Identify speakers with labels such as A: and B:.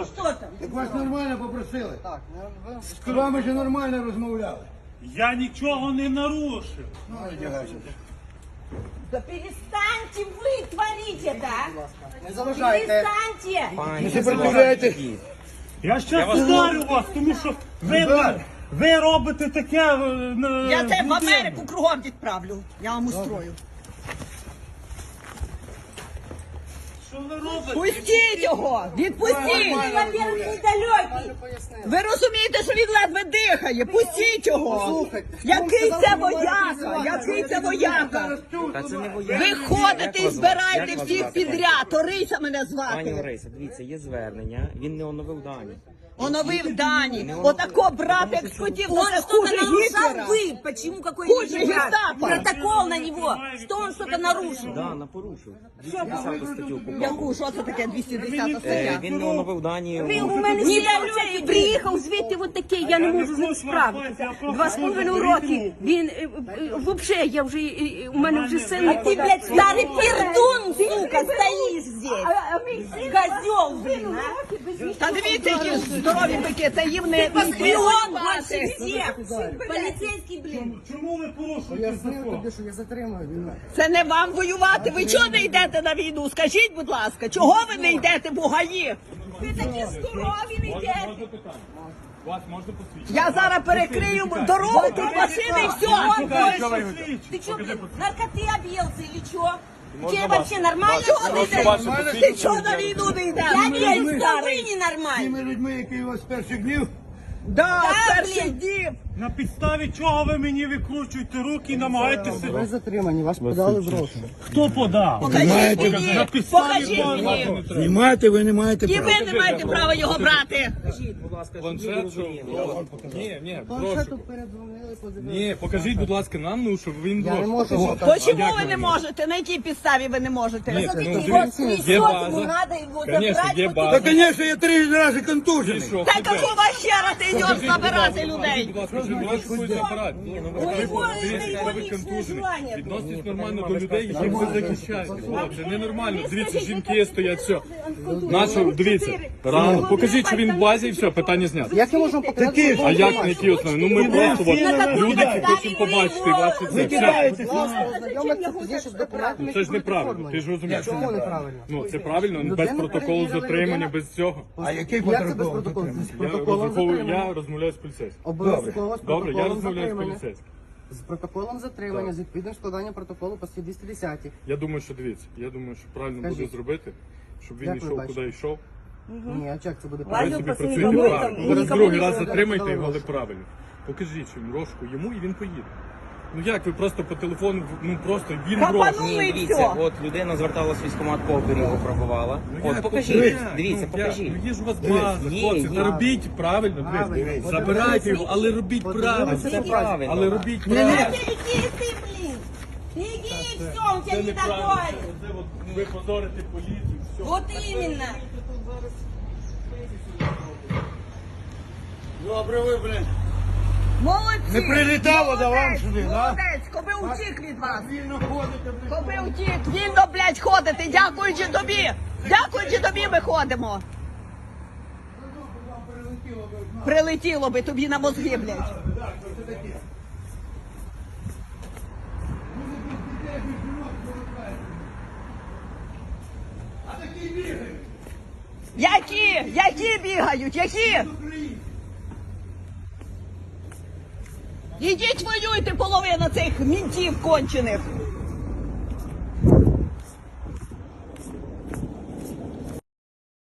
A: Ну що там?
B: Так вас нормально попросили. З вами же нормально розмовляли.
C: Я нічого не нарушив.
B: Ну, одягайся.
A: Да перестаньте вы творить это, а!
D: Не заважайте.
A: Перестаньте!
B: Не сопротивляйтесь.
C: Я щас ударю вас, тому що ви робите таке...
D: Я тебе в Америку кругом відправлю. Я вам устрою.
C: Що ви робите?
D: Пустіть його! Відпустіть!
A: Ты, во-первых, недалекий!
D: Ви розумієте, що він ледве дихає? Пустіть його! Який це вояка? Який це вояка? Ви ходите і збираєте всіх підряд. Орися мене
E: Пані
D: звати.
E: Лариса, дивіться, є звернення, він не оновив дані.
D: Оновив дані. Отако брат, як схотів,
A: Он
D: це
A: что-то
D: хуже
A: нарушал
D: Гітлера.
A: вы! Почему какой
D: Хуже гестапо.
A: протокол на него? Что он что-то нарушил?
E: Да, порушив. 210 статтю попав.
D: Яку? Що це таке 210 стаття?
E: Він не оновив дані.
A: Ви у мене недалекий приїхав звідти от такий, я не можу з ним справитися. 2,5 роки. Він, взагалі, я вже, у мене вже син. А ти, блядь, старий пердун, сука, стоїш здесь. Козел, блин, а.
D: Та дивіться, які здорові бики, це їм не
A: Шпион больше всех. Полицейский, блин.
C: Чому ви порушуєте
B: Пояснив
C: закон?
B: тобі, що я затримую.
D: Це не вам воювати. Ви чого не йдете на війну? Скажіть, будь ласка, чого ви не йдете в Бугаї?
A: Ви такі здорові, не йдете.
C: Можна питання? Вас можна посвідчити?
D: Я зараз перекрию дорогу, тут машини і все.
A: Ты что, блин, наркоты объелся или что? Тебе вообще нормально?
D: Ти чого на війну не
A: Я
D: йдеш?
A: верю, что вы
B: Тими
A: ненормальны.
B: людьми, які у вас з перших днів,
D: Да,
A: Да,
D: перших
A: блін.
D: днів.
C: На підставі чого ви мені викручуєте руки і намагаєтеся?
F: Ви затримані, вас подали в розшук.
C: Хто подав?
D: Покажіть мені,
C: На підставі
D: покажіть
C: чого
D: мені.
C: не треба?
B: знімати ви не маєте
D: І
B: права.
D: ви не маєте права його брати.
E: Будь ласка,
G: Планшет, що? Ні, прошу.
F: Планшету передзвонили, подивилися.
G: Ні, покажіть, будь ласка, нам, ну, щоб він
F: Я не
G: брошку.
F: можу.
D: Чому ви не можете? На якій підставі ви не можете?
G: Ні,
A: Смотрите,
G: ну,
A: вот
G: дивіться,
A: трясет,
G: є
A: ему
G: база.
A: надо его
G: Конечно,
A: забрать.
G: є
A: вот
G: база.
B: Та, звісно, я 3 рази контужений.
G: Що,
D: Та какого хера ти йдеш забирати людей?
G: Будь ласка, вже бачите апарат. Дивіться,
A: його
G: ви
A: лічне
G: контужені.
A: желання.
G: Відноситесь нормально до людей, яких ви захищаєте. Хлопці, ненормально. Дивіться, жінки стоять, все. Нащо, дивіться, рано. Покажіть, що він в базі і все, питання знято.
F: Як ми можемо показати?
G: А як на якій основі? Ну ми просто от, люди, які хочуть побачити, бачити це. Все.
F: Будь ласка, ознайомитися пізніше з документами.
G: Це ж неправильно, ти ж розумієш.
F: Чому неправильно?
G: Ну, це правильно, без протоколу затримання, без цього.
B: А який
F: Як це без
B: протокол?
F: протоколу? З
G: Я
F: протоколом
G: розраховую,
F: затримання.
G: я розмовляю з поліцейським.
F: Обов'язково з
G: Добре, я
F: протоколом
G: розмовляю з
F: затримання.
G: поліцейським.
F: З протоколом затримання, з відповідним складанням протоколу по статті 210.
G: Я думаю, що дивіться, я думаю, що правильно буде
F: Скажіть.
G: зробити, щоб він
F: Як ви
G: йшов,
F: бачите?
G: куди йшов.
F: Ні, а як це буде
G: Ви
F: правильно?
G: собі працюєте правильно. Зараз другий раз затримайте його, але правильно. Покажіть їм рожку йому і він поїде. Ну як ви просто по телефону, ну просто він
D: Капанули.
G: рожку.
E: Ні,
D: і
E: дивіться,
D: все.
E: от людина зверталась в військкомат по оберігу, пробувала.
G: Ну,
E: От
G: як?
E: покажіть,
G: Ну,
E: дивіться,
G: як?
E: покажіть.
G: Ну є ж у вас база,
E: Ні,
G: хлопці,
E: ні.
G: та робіть правильно, дивіться. Забирайте його, але робіть правильно.
E: Це правильно.
G: Але робіть
A: Да
G: правильно.
A: беги ты, блин. Беги, и все, он тебя
G: Це
A: не
G: неправильно.
A: догонит.
G: Це от ви позорите поліцію, все.
A: Вот именно.
B: Добре ви, блін.
D: Молодці!
B: Не прилітало до вам сюди, да?
D: Молодець, коби утік від вас.
B: Вільно ходите, блін.
D: Коби утік, вільно, блядь, ходити. Дякуючи тобі. Дякуючи тобі ми ходимо. Прилетіло би тобі на мозги, блядь. Які? Які бігають? Які? Ідіть воюйте, половина цих мінтів кончених.